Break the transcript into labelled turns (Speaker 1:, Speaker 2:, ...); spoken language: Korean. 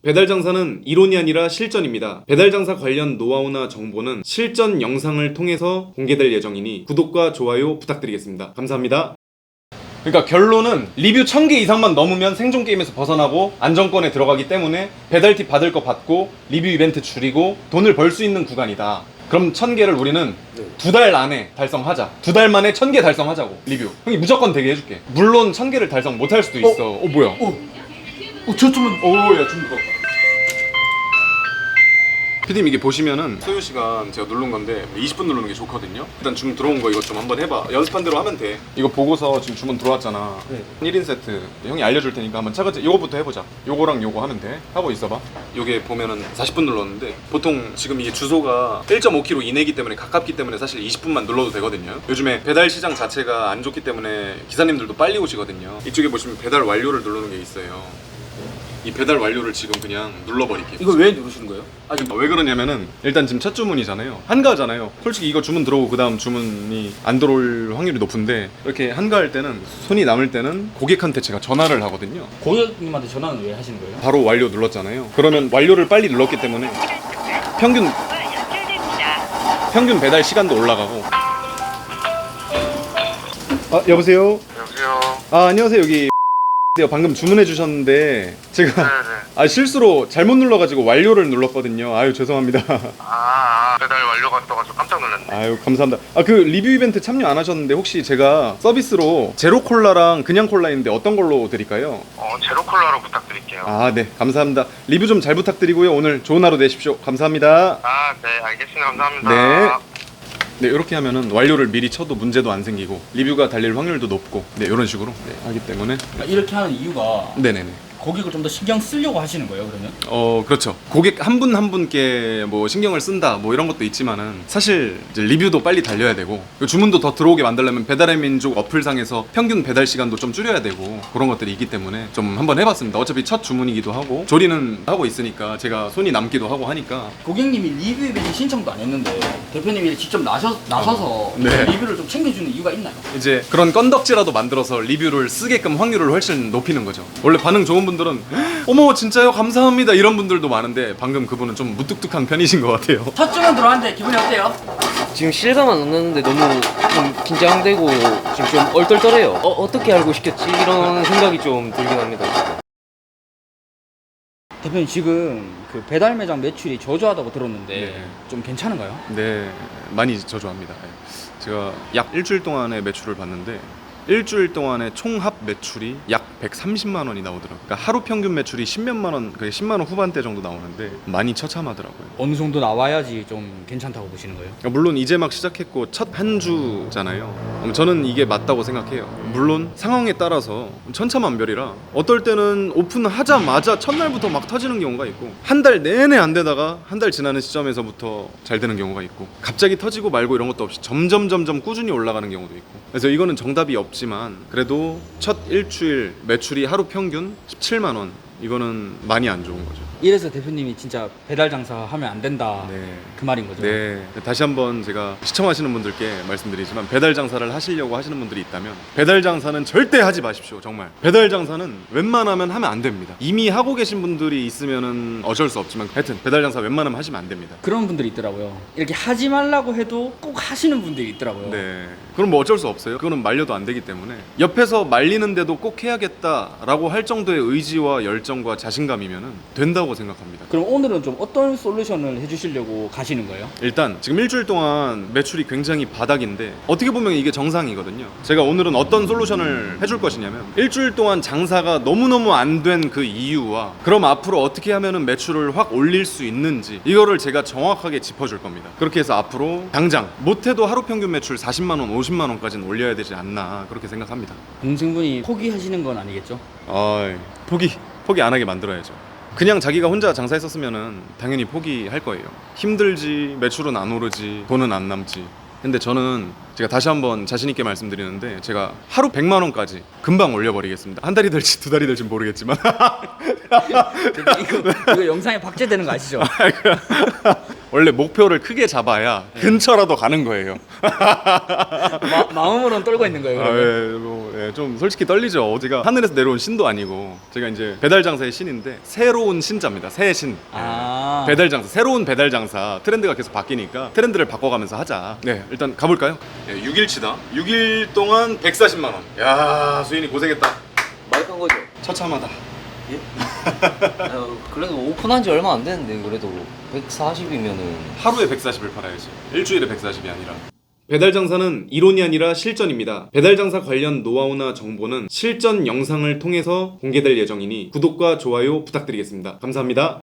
Speaker 1: 배달 장사는 이론이 아니라 실전입니다. 배달 장사 관련 노하우나 정보는 실전 영상을 통해서 공개될 예정이니 구독과 좋아요 부탁드리겠습니다. 감사합니다. 그러니까 결론은 리뷰 1000개 이상만 넘으면 생존 게임에서 벗어나고 안정권에 들어가기 때문에 배달 팁 받을 거 받고 리뷰 이벤트 줄이고 돈을 벌 수 있는 구간이다. 그럼 1000개를 우리는 2달 안에 달성하자. 2달 만에 1000개 달성하자고. 리뷰 형이 무조건 되게 해줄게. 물론 1000개를 달성 못할 수도 있어. 뭐야?
Speaker 2: 저 좀은
Speaker 1: 오야 좀 무겁다. 피디님 이게 보시면은 소요 시간 제가 누른 건데 20분 누르는 게 좋거든요. 일단 주문 들어온 거 이거 좀 한번 해봐. 연습한 대로 하면 돼. 이거 보고서 지금 주문 들어왔잖아.
Speaker 2: 네.
Speaker 1: 1인 세트 형이 알려줄 테니까 한번 차근차근 이거부터 해보자. 요거랑 요거 하면 돼. 하고 있어봐. 요게 보면은 40분 눌렀는데 보통 지금 이게 주소가 1.5km 이내기 때문에 가깝기 때문에 사실 20분만 눌러도 되거든요. 요즘에 배달 시장 자체가 안 좋기 때문에 기사님들도 빨리 오시거든요. 이쪽에 보시면 배달 완료를 누르는 게 있어요. 이 배달 완료를 지금 그냥 눌러버릴게요.
Speaker 2: 이거 왜 누르시는 거예요?
Speaker 1: 왜 그러냐면은 일단 지금 첫 주문이잖아요. 한가하잖아요. 솔직히 이거 주문 들어오고 그 다음 주문이 안 들어올 확률이 높은데 이렇게 한가할 때는 손이 남을 때는 고객한테 제가 전화를 하거든요.
Speaker 2: 고객님한테 전화는 왜 하시는 거예요?
Speaker 1: 바로 완료 눌렀잖아요. 그러면 완료를 빨리 눌렀기 때문에 평균 배달 시간도 올라가고. 여보세요?
Speaker 3: 여보세요.
Speaker 1: 안녕하세요. 여기 방금 주문해 주셨는데 제가
Speaker 3: 네네.
Speaker 1: 실수로 잘못 눌러가지고 완료를 눌렀거든요. 아유 죄송합니다.
Speaker 3: 배달 완료가 떠가지고 깜짝 놀랐네.
Speaker 1: 아유 감사합니다. 그 리뷰 이벤트 참여 안 하셨는데 혹시 제가 서비스로 제로 콜라랑 그냥 콜라 있는데 어떤 걸로 드릴까요?
Speaker 3: 제로 콜라로 부탁드릴게요.
Speaker 1: 네 감사합니다. 리뷰 좀 잘 부탁드리고요. 오늘 좋은 하루 되십시오. 감사합니다.
Speaker 3: 네, 알겠습니다. 감사합니다.
Speaker 1: 네 이렇게 하면은 완료를 미리 쳐도 문제도 안 생기고 리뷰가 달릴 확률도 높고 이런 식으로 하기 때문에
Speaker 2: 이렇게 하는 이유가
Speaker 1: 네네네.
Speaker 2: 고객을 좀 더 신경 쓰려고 하시는 거예요, 그러면?
Speaker 1: 그렇죠. 고객 한 분 한 분께 뭐 신경을 쓴다 뭐 이런 것도 있지만은 사실 이제 리뷰도 빨리 달려야 되고 주문도 더 들어오게 만들려면 배달의 민족 어플상에서 평균 배달 시간도 좀 줄여야 되고 그런 것들이 있기 때문에 좀 한번 해봤습니다. 어차피 첫 주문이기도 하고 조리는 하고 있으니까 제가 손이 남기도 하고 하니까.
Speaker 2: 고객님이 리뷰 이벤트 신청도 안 했는데 대표님이 직접 나서서
Speaker 1: 네.
Speaker 2: 리뷰를 좀 챙겨주는 이유가 있나요?
Speaker 1: 이제 그런 건덕지라도 만들어서 리뷰를 쓰게끔 확률을 훨씬 높이는 거죠. 원래 반응 좋은 분들은 어머 진짜요 감사합니다 이런 분들도 많은데 방금 그분은 좀 무뚝뚝한 편이신 것 같아요.
Speaker 2: 첫 주문 들어왔는데 기분이 어때요?
Speaker 4: 지금 실감은 안 나는데 너무 좀 긴장되고 지금 좀 얼떨떨해요. 어떻게 알고 시켰지? 이런 생각이 좀 들긴 합니다. 지금.
Speaker 2: 대표님 지금 그 배달 매장 매출이 저조하다고 들었는데
Speaker 1: 네.
Speaker 2: 좀 괜찮은가요?
Speaker 1: 네 많이 저조합니다. 제가 약 일주일 동안의 매출을 봤는데 일주일 동안의 총합 매출이 약 130만 원이 나오더라고요. 그러니까 하루 평균 매출이 10몇만 원, 10만 원 후반대 정도 나오는데 많이 처참하더라고요.
Speaker 2: 어느 정도 나와야지 좀 괜찮다고 보시는 거예요?
Speaker 1: 물론 이제 막 시작했고 첫 한 주잖아요. 저는 이게 맞다고 생각해요. 물론 상황에 따라서 천차만별이라 어떨 때는 오픈하자마자 첫날부터 막 터지는 경우가 있고 한 달 내내 안 되다가 한 달 지나는 시점에서부터 잘 되는 경우가 있고 갑자기 터지고 말고 이런 것도 없이 점점 꾸준히 올라가는 경우도 있고 그래서 이거는 정답이 없지만 그래도 첫 일주일 매출이 하루 평균 17만 원 이거는 많이 안 좋은 거죠.
Speaker 2: 이래서 대표님이 진짜 배달 장사 하면 안 된다
Speaker 1: 네.
Speaker 2: 그 말인 거죠?
Speaker 1: 네. 다시 한번 제가 시청하시는 분들께 말씀드리지만 배달 장사를 하시려고 하시는 분들이 있다면 배달 장사는 절대 하지 마십시오. 정말. 배달 장사는 웬만하면 하면 안 됩니다. 이미 하고 계신 분들이 있으면은 어쩔 수 없지만 하여튼 배달 장사 웬만하면 하시면 안 됩니다.
Speaker 2: 그런 분들이 있더라고요. 이렇게 하지 말라고 해도 꼭 하시는 분들이 있더라고요.
Speaker 1: 네. 그럼 뭐 어쩔 수 없어요. 그거는 말려도 안 되기 때문에 옆에서 말리는데도 꼭 해야겠다라고 할 정도의 의지와 열정과 자신감이면은 된다고 생각합니다.
Speaker 2: 그럼 오늘은 좀 어떤 솔루션을 해주시려고 가시는 거예요?
Speaker 1: 일단 지금 일주일 동안 매출이 굉장히 바닥인데 어떻게 보면 이게 정상이거든요. 제가 오늘은 어떤 솔루션을 해줄 것이냐면 일주일 동안 장사가 너무너무 안 된 그 이유와 그럼 앞으로 어떻게 하면은 매출을 확 올릴 수 있는지 이거를 제가 정확하게 짚어줄 겁니다. 그렇게 해서 앞으로 당장 못해도 하루 평균 매출 40만 원, 50만 원까지는 올려야 되지 않나 그렇게 생각합니다.
Speaker 2: 동생분이 포기하시는 건 아니겠죠?
Speaker 1: 포기 안 하게 만들어야죠. 그냥 자기가 혼자 장사했었으면은 당연히 포기할 거예요. 힘들지, 매출은 안 오르지, 돈은 안 남지. 근데 저는 제가 다시 한번 자신 있게 말씀드리는데 제가 하루 100만 원까지 금방 올려버리겠습니다. 한 달이 될지 두 달이 될지 모르겠지만
Speaker 2: 이거 영상에 박제되는 거 아시죠?
Speaker 1: 원래 목표를 크게 잡아야 근처라도 가는 거예요.
Speaker 2: 마음으로는 떨고 있는 거예요. 그러면?
Speaker 1: 좀 솔직히 떨리죠. 제가 하늘에서 내려온 신도 아니고 제가 이제 배달 장사의 신인데 새로운 신자입니다. 새 신.
Speaker 2: 아.
Speaker 1: 배달 장사, 새로운 배달 장사 트렌드가 계속 바뀌니까 트렌드를 바꿔가면서 하자. 네, 일단 가볼까요? 6일치다. 6일 동안 140만 원. 야, 수인이 고생했다.
Speaker 4: 많이 간 거죠?
Speaker 1: 처참하다.
Speaker 4: 그래도 오픈한 지 얼마 안 됐는데 그래도 140이면은
Speaker 1: 하루에 140을 팔아야지. 일주일에 140이 아니라. 배달 장사는 이론이 아니라 실전입니다. 배달 장사 관련 노하우나 정보는 실전 영상을 통해서 공개될 예정이니 구독과 좋아요 부탁드리겠습니다. 감사합니다.